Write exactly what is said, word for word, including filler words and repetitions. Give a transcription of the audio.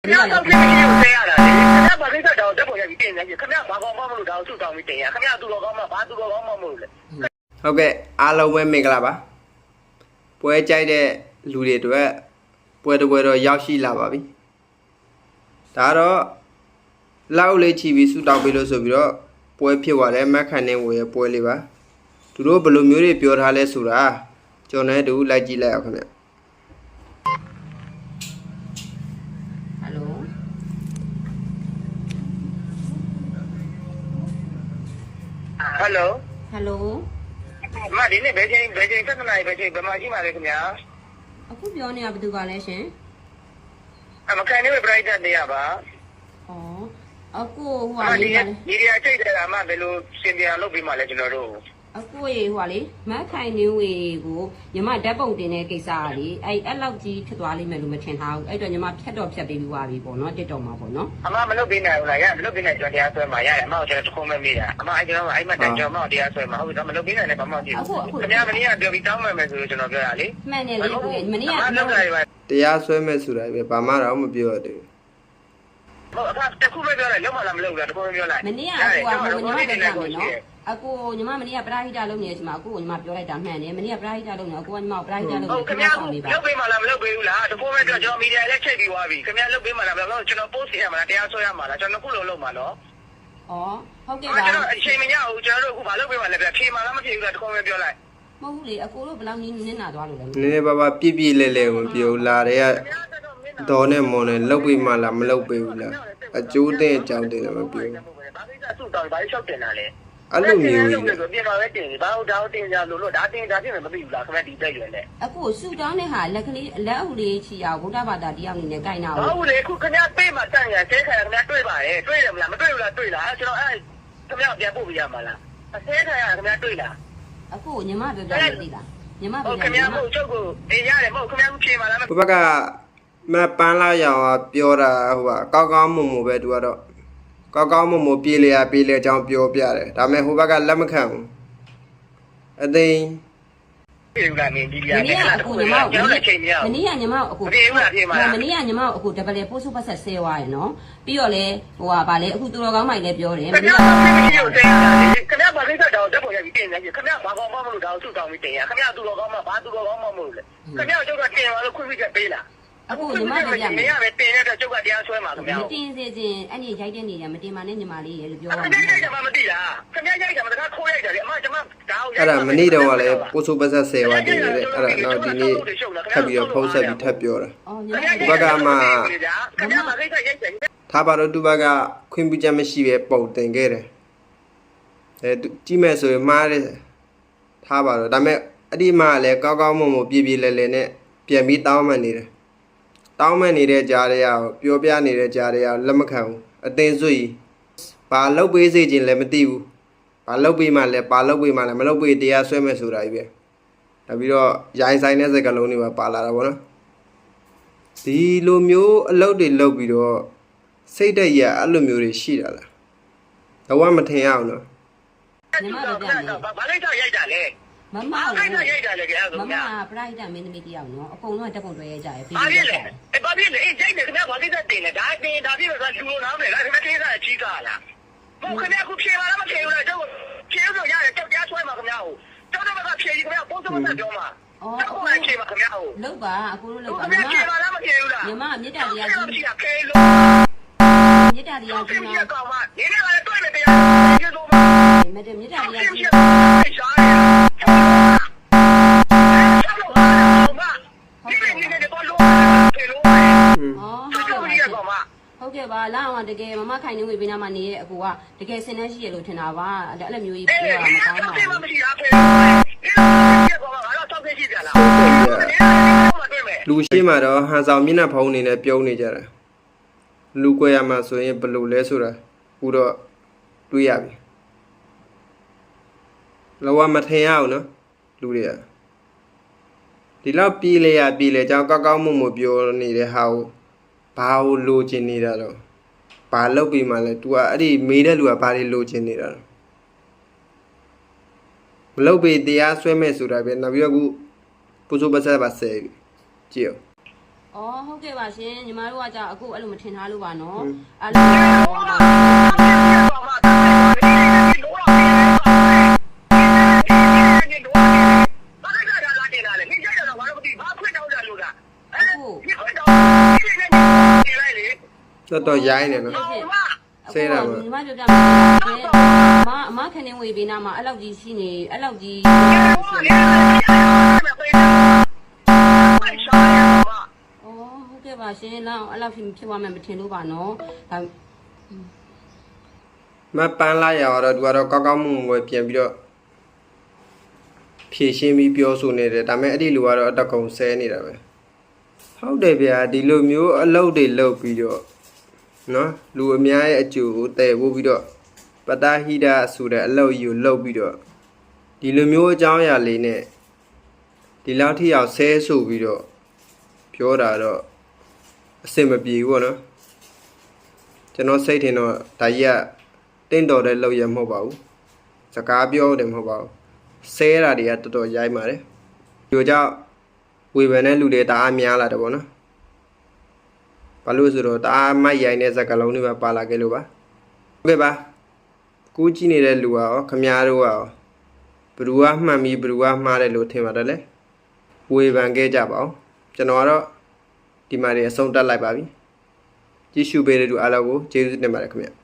ခင်ဗျားတော့ပြင်ပြီးဆဲရတာလေခင်ဗျားဘာကိစ္စတောင်တက်ပေါ်ရပြီးတင်နေကြခင်ဗျားဘာကောင်းမှမလို့ဒါကိုစုတောင်းပြီးတင်ရခင်ဗျားသူတော်ကောင်းမှဘာသူတော်ကောင်းမှမလို့လေဟုတ်ကဲ့အားလုံးပဲမင်္ဂလာပါပွဲကြိုက်တဲ့လူတွေအတွက်ပွဲတစ်ပွဲတော့ရောက်ရှိလာပါပြီဒါတော့လောက်လေးချီပြီးစုတောင်းပေးလို့ဆိုပြီးတော့ပွဲဖြစ်သွားတယ်မက်ခန်နေဝယ်ပွဲလေးပါသူတို့ဘယ်လိုမျိုးတွေပြောထားလဲဆိုတာကျွန်တော်လည်းတူလိုက်ကြည့်လိုက်အောင်ခင်ဗျဟယ်လိုဟယ်လိုမဒီနေ့ဘယ်ချိန်ဘယ်ချိန်ဆက်စနာဘယ်ချိန်ဘယ်မှာရှိမှာလဲခင်ဗျာအခုပြောနေတာဘယ်သူကလဲရှင်အမကန်နေပဲပရိုက်တာနေရပါဩအခုဟိုဟာလေးဒီဒီရချိတ်တယ်အမဘယ်လိုစင်ပြန်လုပ်ပြီးမှလဲကျွန်တော်တို့အခုရေဟိုဟာလေမတ်ခိုင်နေဝေကိုညီမဓာတ်ပုံတင်တဲ့ကိစ္စကလေအဲ့အဲ့လောက်ကြီးဖြစ်သွားလိမ့်မယ်လို့မထင်ထားဘူးအဲ့တော့ညီမဖြတ်တော့ဖြတ်ပေးပြီးသွားပြီပေါ့နော်တစ်တော်မှာပေါ့နော်အမမလုပ်ပေးနိုင်ဘူးလားရမလုပ်ပေးနိုင်ကျွန်တော်တရားဆွဲမှာရတယ်အမကျွန်တော်တခုံးမမေးတာအမအဲ့ကျွန်တော်အဲ့မတန်ကျွန်တော်တရားဆွဲမှာဟုတ်ပြီတော့မလုပ်ပေးနိုင်လည်းဘာမှမဖြစ်ဘူးခင်ဗျားမင်းကပြောပြီးတောင်းမှမယ်ဆိုလို့ကျွန်တော်ပြောတာလေမှန်တယ်လေကိုမင်းကတရားဆွဲမယ်ဆိုတာပဲဘာမှတော့မပြောရသေးဘူးဟုတ်အခါတခုပဲပြောလိုက်လုံးမလားမလုပ်ဘူးလားတခုပဲပြောလိုက်မင်းကအခုကညီမတက်ကြမယ်နော်အခုညီမမနေ့ကပရာဟိတလုပ်နေတဲ့အချိန်မှာအခုညီမပြောလိုက်တာမှန်တယ်မနေ့ကပရာဟိတလုပ်နေအခုကညီမပရာဟိတလုပ်နေဟုတ်ခင်ဗျားလုပ်ပေးမှလားမလုပ်ပေးဘူးလားတခုပဲပြောကျွန်တော်မီဒီယာလည်းချိန်ပြီးသွားပြီခင်ဗျားလုပ်ပေးမှလားမလုပ်ကျွန်တော် post ရမှာလားတရားဆွဲရမှာလားကျွန်တော်ခုလုံးလုပ်မှာနော်ဩဟုတ်ကဲ့ပါကျွန်တော်အချိန်မရဘူးကျွန်တော်တို့အခုမလုပ်ပေးမှလည်းပြဖြေမှလားမဖြေဘူးလားတခုပဲပြောလိုက်မဟုတ်ဘူးလေအကိုတို့ဘယ်လောက်နင်းနင်းနာသွားလို့လဲနည်းနည်းပါးပါပြည့်ပြည့်လဲလဲမပြောလာတဲ့ကတော့နဲ့မော်နဲ့လုပ်ပေးမှလားမလုပ်ပေးဘူးလားအကျိုးတဲ့အကြောင်းတင်လည်းမပြောဘူးဘာကိစ္စစုတောင်းဘာလျှောက်တင်တာလဲအဲ့လိုမျိုးကြီးပြင်ပါပဲတင်ဘာလို့ဒါတင်ကြလို့လို့ဒါတင်ဒါပြင်မသိဘူးလားခင်ဗျာဒီတက်ရွယ်နဲ့အခုဆူတောင်းတဲ့ဟာလက်ကလေးလက်အုပ်လေးချီအောင်ဗုဒ္ဓဘာသာတရားအနေနဲ့ကြိုက်နာဘူးဟုတ်လေအခုခင်ဗျာပေးမှတန့်ရဆဲခါရခင်ဗျာတွေ့ပါတယ်တွေ့တယ်မလားမတွေ့ဘူးလားတွေ့လားကျွန်တော်အဲ့ခင်ဗျာပြန်ပို့ပြရမှာလားအဆဲခါရခင်ဗျာတွေ့လားအခုညီမပြောပြလို့သိလားညီမပြောပြခင်ဗျာမဟုတ်ချုပ်ကိုအေးရတယ်မဟုတ်ခင်ဗျာဖြေပါလားဘဘကမပန်းလာရောင်ပြောတာဟိုကကောက်ကောက်မုံမပဲသူကတော့ကောက်ကောက်မုံမပြေးလေရပြေးလေအကြောင်းပြောပြတယ်ဒါပေမဲ့ဟိုဘက်ကလက်မခံဘူးအသိပြေးလာနေဒီရမနေ့ကအခုညီမကိုမနေ့ကညီမကိုအခုပြေးလာပြေးမှာမနေ့ကညီမကိုအခုဒဗလေပို့စုပတ်ဆက်ဆဲသွားရယ်နော်ပြီးတော့လေဟိုဟာဗာလေအခုသူတော်ကောင်းမိုင်လည်းပြောတယ်မနေ့ကခင်ဗျာဘာကိစ္စတောင်တက်ပေါ်ရပြီးတင်နေကြခင်ဗျာဘာကောင်းမှမလို့ဒါကိုစုတောင်းပြီးတင်ရခင်ဗျာသူတော်ကောင်းမှဘာသူတော်ကောင်းမှမလို့လေခင်ဗျာကျုပ်ကတင်ပါလို့ခွင့်ပြုချက်ပေးလားအခုညီမတို့ရမယ်မရပဲတင်တဲ့ကျုပ်ကတရားဆွဲမှာခင်ဗျာမတင်စေခြင်းအဲ့ဒီရိုက်တဲ့နေရမတင်ပါနဲ့ညီမလေးရေလို့ပြောပါမယ်ခင်ဗျာရိုက်တာမှမသိလားခင်ဗျာရိုက်တာမှတခါခိုးရိုက်တာလေအမကျွန်မဒါကိုအဲ့ဒါမနေ့တော့ကလည်းပို့ဆိုပတ်ဆက်ဆယ်ဝါတင်နေတဲ့အဲ့ဒါတော့ဒီနေ့ထပ်ပြီးတော့ဖုန်းဆက်ပြီးထပ်ပြောတာဒီဘက်ကမှခင်ဗျာဘာကိစ္စရိုက်တယ်ထားပါတော့သူဘက်ကခွင့်ပြုချက်မရှိပဲပုံတင်ခဲ့တယ်အဲကြည့်မဲ့ဆိုရင်မှားတယ်ထားပါတော့ဒါပေမဲ့အဲ့ဒီမှာလည်းကောက်ကောက်မုံမပြေးပြေးလဲလဲနဲ့ပြန်ပြီးတောင်းမှနေတယ်တောင်းမဲ့နေတဲ့ကြားတွေကပြောပြနေတဲ့ကြားတွေကလက်မခံဘူးအတင်းစွေဘာလုတ်ပေးစေခြင်းလည်းမသိဘူးဘာလုတ်ပေးမှလည်းဘာလုတ်ပေးမှလည်းမလုတ်ပေးတရားဆွဲမဲ့ဆိုတာကြီးပဲဒါပြီးတော့ရိုင်းဆိုင်တဲ့စကားလုံးတွေပါပါလာတာပေါ့နော်ဒီလိုမျိုးအလုပ်တွေလုပ်ပြီးတော့စိတ်တက်ရအဲ့လိုမျိုးတွေရှိတာလားတော့မထင်ရအောင်နော်ညီမတို့ပြန်နေဘာလိမ့်တော့ရိုက်တာလဲမမရိုက်တာရိုက်တာလေကဲမမပရိုက်တာမင်းသမီးတယောက်နော်အကုန်လုံးတက်ပုံတွဲရကြရပြီဘာဖြစ်လဲအဲဘာဖြစ်လဲအေးရိုက်တယ်ခင်ဗျာဘာကိစ္စတင်လဲဒါတင်ဒါပြည့်တော့လူလိုနားမယ်လားခင်ဗျာကိစ္စအကြီးကားလားဟုတ်ခင်ဗျာခုဖြေပါလားမဖြေဘူးလားကျုပ်ဖြေလို့ရတယ်ကြောက်ကြားဆွဲမှာခင်ဗျာဟိုကျောင်းတော့ကဖြေကြီးခင်ဗျာပုံစံမဆက်ပြောမှာအော်ဟုတ်လားဖြေပါခင်ဗျာဟိုလောက်ပါအခုလို့လောက်ပါမမဖြေပါလားမဖြေဘူးလားညီမမေတ္တာတရားကြီးဖြေဖြေလို့မေတ္တာတရားကြီးနော်ကောင်မဒီနေ့ကလည်းတွေ့မယ်တရားဖြေလို့မေတ္တာမေတ္တာတရားကြီးဟုတ်ကဲ့ပါလာအောင်တကယ်မမခိုင်နေဝေပေးနာမှာနေရဲ့အကူကတကယ်စင်နှန်းရှိရလို့ထင်တာပါအဲ့လိုမျိုးကြီးပြောရမှာကောင်းပါဘူးလူရှိမှတော့ဟန်ဆောင်မျက်နှာဖုံးအနေနဲ့ပြုံးနေကြတာလူကွဲရမှာဆိုရင်ဘယ်လိုလဲဆိုတာခုတော့တွေးရပြီလောကမထင်ရအောင်နော်လူတွေကဒီလောက်ပြေးလေရပြေးလေကြောင်းကောက်ကောက်မှုမှုပြောနေတဲ့ဟာကိုဘာလို့လိုချင်နေတာတော့ဘာလုပ်ပြီးမှလဲ तू ကအဲ့ဒီမေးတဲ့လူကဘာတွေလိုချင်နေတာတော့မလုပ်ပြီးတရားဆွဲမဲ့ဆိုတာပဲနောက်ပြီးတော့ခုပူဇော်ပတ်ဆက်ပါဆဲကြည့်အောင်အော်ဟုတ်ကဲ့ပါရှင်ညီမတို့ကကြာအခုအဲ့လိုမထင်ထားလို့ပါနော်ဟွန်းအဲ့လိုတော်တော်ရိုင်းနေနော် ဆဲတာပါညီမပြောပြမယ်အမအမခနေဝေးပေးနာမှာအဲ့လောက်ကြီးရှိနေအဲ့လောက်ကြီးအော်ဟုတ်ကဲ့ပါရှင်လောက်အဲ့လောက်ဖြစ်ဖြစ်သွားမှမထင်လို့ပါနော်ဒါမပန်းလာရတော့သူကတော့ကောက်ကောက်မှုငွေပြန်ပြီးတော့ဖြည့်ရှင်းပြီးပြောဆိုနေတယ်ဒါပေမဲ့အဲ့ဒီလူကတော့အတကုံဆဲနေတာပဲဟုတ်တယ်ဗျာဒီလိုမျိုးအလုပ်တွေလုပ်ပြီးတော့နော်လူအများရဲ့အကျိုးကိုတည်ဖို့ပြီးတော့ပတာဟိဒဆိုတဲ့အလုပ်ကြီးကိုလုပ်ပြီးတော့ဒီလိုမျိုးအကြောင်းအရာလေးနဲ့ဒီလောက်ထိအောင်ဆဲဆိုပြီးတော့ပြောတာတော့အဆင်မပြေဘူးပေါ့နော်ကျွန်တော်စိတ်ထင်တော့ဒါကြီးကတင့်တော်တဲ့လုပ်ရမဟုတ်ပါဘူးစကားပြောတယ်မဟုတ်ပါဘူးဆဲတာတွေကတော်တော်ရိုက်ပါတယ်ဒီလိုကြောင့်ဝေဖန်တဲ့လူတွေတအားများလာတယ်ပေါ့နော်ဘာလို့ဆိုတော့တအားမိုက်ရိုင်းတဲ့စကားလုံးတွေပဲပါလာခဲ့လို့ပါဟုတ်ကဲ့ပါကူးကြည့်နေတဲ့လူကရောခမားတို့ကရောဘယ်သူကမှန်ပြီးဘယ်သူကမှားတယ်လို့ထင်ပါတယ်လေဝေဖန်ခဲ့ကြပါအောင်ကျွန်တော်ကတော့ဒီမှာနေအဆုံးတက်လိုက်ပါပြီကြည့်ရှုပေးတဲ့လူအားလုံးကိုကျေးဇူးတင်ပါတယ်ခင်ဗျ